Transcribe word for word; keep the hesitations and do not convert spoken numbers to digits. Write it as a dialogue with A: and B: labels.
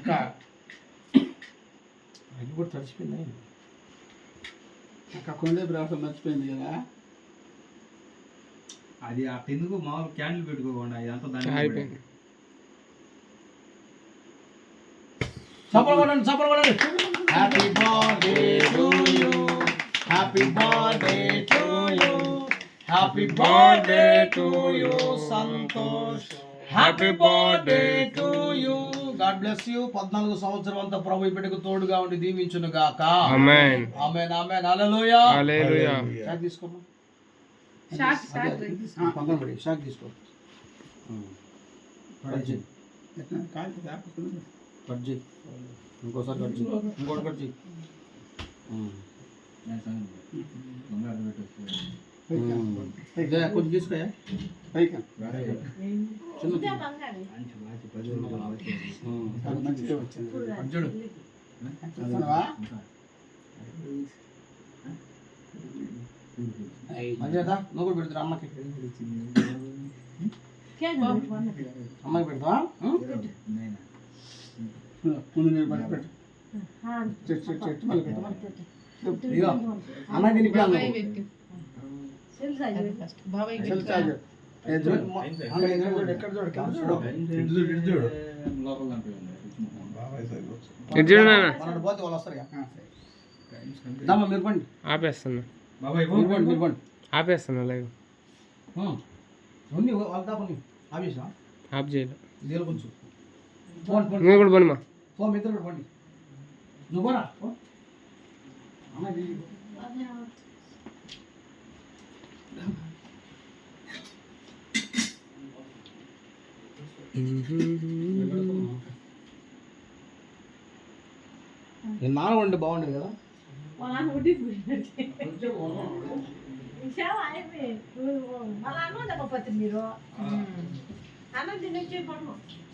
A: అక్క అది కూడా తడిచిపోయింది అక్క కొండే బ్రాసం మర్చిపోయింది కదా
B: అది ఆ ఎందుకు మామూలు క్యాండిల్ పెట్టుకోకుండా ఇదంతా దాని
C: అయిపోయింది.
A: చప్పలు కొట్టండి చప్పలు కొట్టండి happy birthday to you happy birthday to you happy birthday to you Santosh happy birthday to you God bless you పద్నాలుగు సంవత్సరం అంతా ప్రభు ఇప్పటికి తోడుగా ఉండి దీవించును గాక
C: ఆమేన్
A: ఆమేన్ ఆమేన్ హల్లెలూయా
C: హల్లెలూయా
A: షాక్ తీసుకోమ్మా
D: షాక్ షాక్
A: పక్కన పడి షాక్ తీసుకో కట్ చేయి కట్ చేయి ఇంకోసారి కట్ చేయి ఇంకోటి కట్ చేయి ఇదే కొంచెం తీసుకోయా పైకి చిన్న మంచిగా వచ్చింది అర్జుడు మంచిదా నువ్వు కూడా పెడతారా అమ్మకి అమ్మకి పెడతావా ముందు నేను పట్టి పెట్టు చెట్టు చెట్టు చెట్టు మళ్ళీ పెట్టు ఇదిగో అమ్మాయి దీనికి
D: బాబాయ్
A: ఎక్కడ చూడు
B: చూడు
C: ఇది చూడు నాన్న
A: మనోడు పోతే వాళ్ళు వస్తారు దమ్మ మీరు పండి
C: ఆపేస్తున్నా
B: బాబాయ్
A: మీరు పండి మీరు పండి
C: ఆపేస్తున్నా లైవ్
A: ఉంది వాళ్ళ దాపని ఆఫీసా
C: ఆఫ్ చేయలే
A: దీని కొంచెం ఫోన్ ఫోన్
C: నువ్వు కూడా పోనిమా
A: ఫోన్ మీ ఇద్దరు కూడా పండి నువ్వు పోరా అమ్మాయి నేను నాన్న వండి బాగుండేది కదా
D: మీరు అన్నం తినొచ్చి పడము